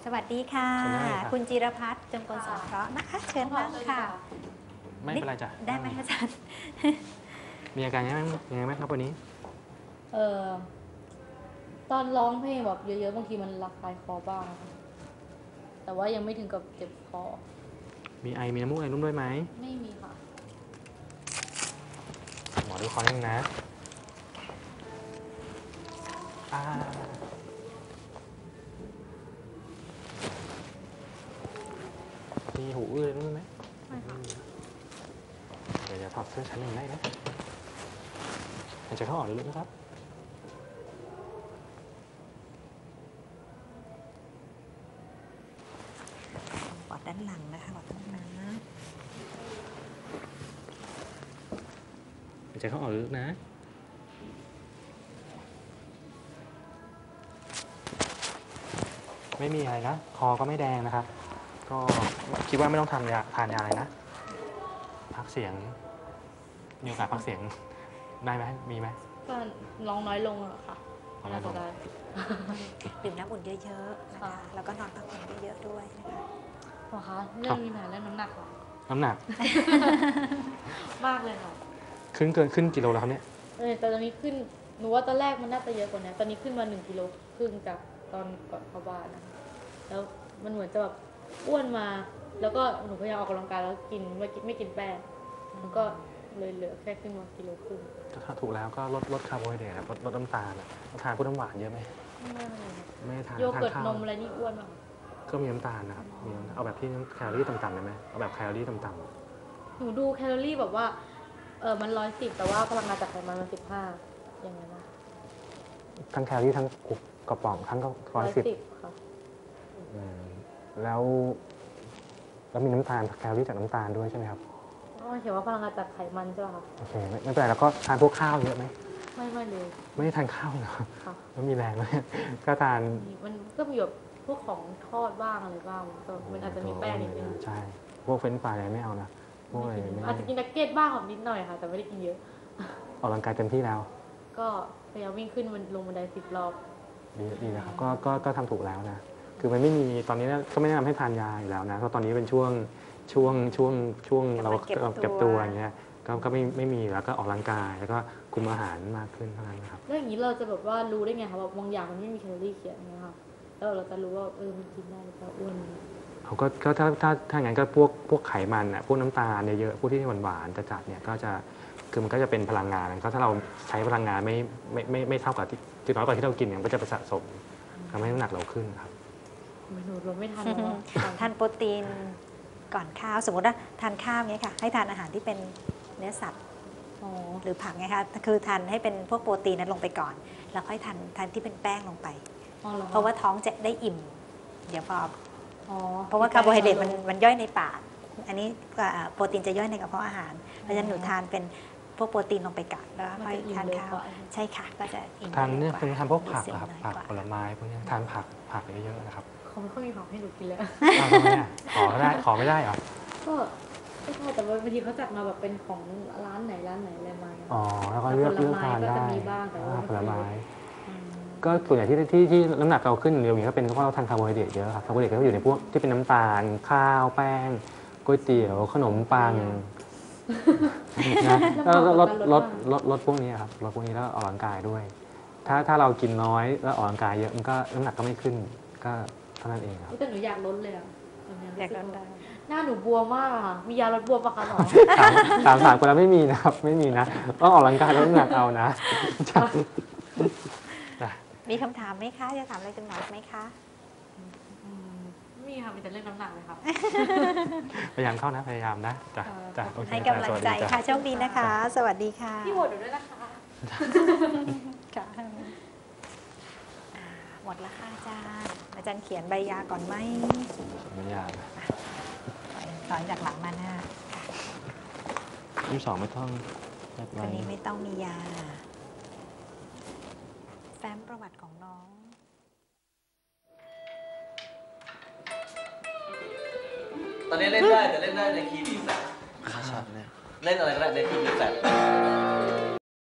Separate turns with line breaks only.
สวัสดีค่ะคุณจิรพัฒน์จงกลสงเคราะห์นะคะเชิญนั่งค่ะ
ไม่เป็นไรจ้ะ
ได้ไหมอาจารย์
มีอาการยังไงไหมครับวันนี้
ตอนร้องเพลงแบบเยอะๆบางทีมันระคายคอบ้างค่ะแต่ว่ายังไม่ถึงกับเจ็บคอ
มีไอมีน้ำมูกอะไรร่วมด้วยไหม
ไม่มีค่ะ
หมอดูคอนิดนึงนะมีหูอื้ออะไรร่วมไหม
ไม่ค่ะ
เดี๋ยวถอดเสื้อชั้นหนึ่งได้นะหายใจเข้าออกลึกๆนะครับ
ปอดด้านหลังนะคะปอดด้านหลัง
หายใจเข้าออกลึกๆนะไม่มีอะไรนะคอก็ไม่แดงนะครับก็คิดว่าไม่ต้องทานยาอะไรนะพักเสียงมีโอกาสพักเสียงได้ไหมมีไหม
ก็ร้องน้อยลงอะค่ะน่าจะได้
ดื่มน้ำอุ่นเยอะๆนะคะแล้วก็นอนพักผ่อนเยอะๆด้วยนะคะ
หมอคะเรื่องมีปัญหาเรื่องน้ำหนักค่ะ
น้ำหนัก
มากเลยค่ะ
ขึ้นกิโลแล้วครับเนี่ย
แต่ตอนนี้ขึ้นหนูว่าตอนแรกมันน่าจะเยอะกว่านี้ตอนนี้ขึ้นมา1 กิโลครึ่งจากตอนก่อนเข้าบ้านนะคะแล้วมันเหมือนจะแบบอ้วนมาแล้วก็หนูพยายามออกกำลังกายแล้วกินไม่กินแป้งมันก็เลยเหลือแค่ขึ้นมา1.5 กิโล
ถ้าถูกแล้วก็ลดคาร์โบไฮเดรตลดน้ำตาลทานพวกน้ำหวานเยอะไหมไม่ทาน
โยเกิร์ตนมอะไรนี่อ้วนมาก
ก็มีน้ำตาลนะครับเอาแบบที่แคลอรี่ต่ำๆได้ไหมเอาแบบแคลอรี่ต่ำ
ๆหนูดูแคลอรี่แบบว่ามัน110แต่ว่าพลังงานจากไขมันมัน15อย่างนั้นนะ
ทั้งแคลอรี่ทั้งกระป๋องทั้งก็
110ค่ะ
แล้วมีน้ำตาลแคลอรี่จากน้ำตาลด้วยใช่ไหมครับ
เขียนว่าพลังงานจากไขมันใช่ไหมคะ
โอเคไม่เป็นไรแล้วก็ทานพวกข้าวเยอะไหม
ไม่เลย
ไม่ได้ทานข้าวเหรอแล้วมีแรงไหมก็ทาน
มันก็มีแบบพวกของทอดบ้างอะไรบ้างมันอาจจะมีแป้งนิดนึง
ใช่พวกเฟรนช์ฟรายอะไรไม่เอานะพวกอะไร
อาจจะกินนักเก็ตบ้างของนิดหน่อยค่ะแต่ไม่ได้กินเยอะ
ออกกำลังกายเต็มที่แล้ว
ก็พยายามวิ่งขึ้นลงบันได10 รอบ
ดีนะครับก็ทำถูกแล้วนะคือมันไม่มีตอนนี้ก็ไม่แนะนำให้ทานยาอยู่แล้วนะเพราะตอนนี้เป็นช่วงเราเก็บตัวอย่างเงี้ยก็ไม่มีแล้วก็ออกกำลังกายแล้วก็คุมอาหารมากขึ้นเท่านั้นนะครับ
แล้วอย่างนี้เราจะแบบว่ารู้ได้ไงคะว่าบางอย่างมันไม่มีแคลอรี่เขียนนะคะแล้วเราจะรู้ว่ามันกินได้หรือเปล่าอ้วน
เขาก็ถ้าอย่างนั้นก็พวกไขมันพวกน้ำตาลเยอะพวกที่หวานๆจัดเนี่ยก็จะคือมันก็จะเป็นพลังงานก็ถ้าเราใช้พลังงานไม่เท่ากับที่น้อยกว่าที่เรากินเนี่ยก็จะไปสะสมทำให้น้ำหนักเราขึ้นครับ
หนูไม่ทาน
ทานโปรตีนก่อนข้าวสมมติว่าทานข้าวเนี้ยค่ะให้ทานอาหารที่เป็นเนื้อสัตว์หรือผักไงคะคือทานให้เป็นพวกโปรตีนนั้นลงไปก่อนแล้วค่อยทานที่เป็นแป้งลงไปเพราะว่าท้องจะได้อิ่มเดี๋ยวพอเพราะว่าคาร์โบไฮเดรตมันย่อยในปากอันนี้โปรตีนจะย่อยในกระเพาะอาหารเพราะฉะนั้นหนูทานเป็นพวกโปรตีนลงไปก่อนแล้วค่อยทานข้าวใช่ค่ะก็จะอิ่ม
ทานเนี่ยคือทานพวกผักครับผักผลไม้พวกนี้ทานผักเยอะๆนะครับ
เขาไม่ค่อยมีผักให้หนูกินเลย
ขอไม่ได้เหรอ
ก็ไม่ใช่แต่บางทีเขาจัดมาแบบเป็นของร้านไหนอะไรมา
แล้วก็เลือกทานได้ผลไม้ก็ส่วนใหญ่ที่น้ำหนักเราขึ้นเร็วอย่างนี้ก็เป็นเพราะเราทานคาร์โบไฮเดรตเยอะครับคาร์โบไฮเดรตก็อยู่ในพวกที่เป็นน้ำตาลข้าวแป้งก๋วยเตี๋ยวขนมปังนะแล้วลดพวกนี้ครับลดพวกนี้แล้วออกกำลังกายด้วยถ้าเรากินน้อยแล้วออกกำลังกายเยอะมันก็น้ำหนักก็ไม่ขึ้นก็เท่านั้นเองครับ
แต่หนูอยากลดเลยอยากลดได้หน้าหนูบวมมากมียาลดบวมปะคะหมอ
ถามคนแล้วไม่มีนะครับไม่มีนะต้องออกกำลังกายลดน้ำหนักเอานะ
มีคำถามไหมคะจะถามอะไรคุณหมอไหมคะ
มีค่ะมีแต่เรื่องน้ำหนักเลยค่ะ
พยายามเข้านะพยายามนะจ้ะ
ให้กำลังใจค่ะโชคดีนะคะสวัสดีค่ะ
พี่โหวตด้วยนะคะ
หมดแล้วค่ะอาจารย์เขียนใบยาก่อนไหม
ใบยา
ถอนจากหลังมาหน้า
22ไม่ต้อง
วันนี้ไม่ต้องมียาแฟ้มประวัติของน้อง
ตอนนี้เล่นได้แต่เล่นได้ในคีย์ดีแฟลตเล่นอะไรก็ได้ในคีย์ดีแฟลต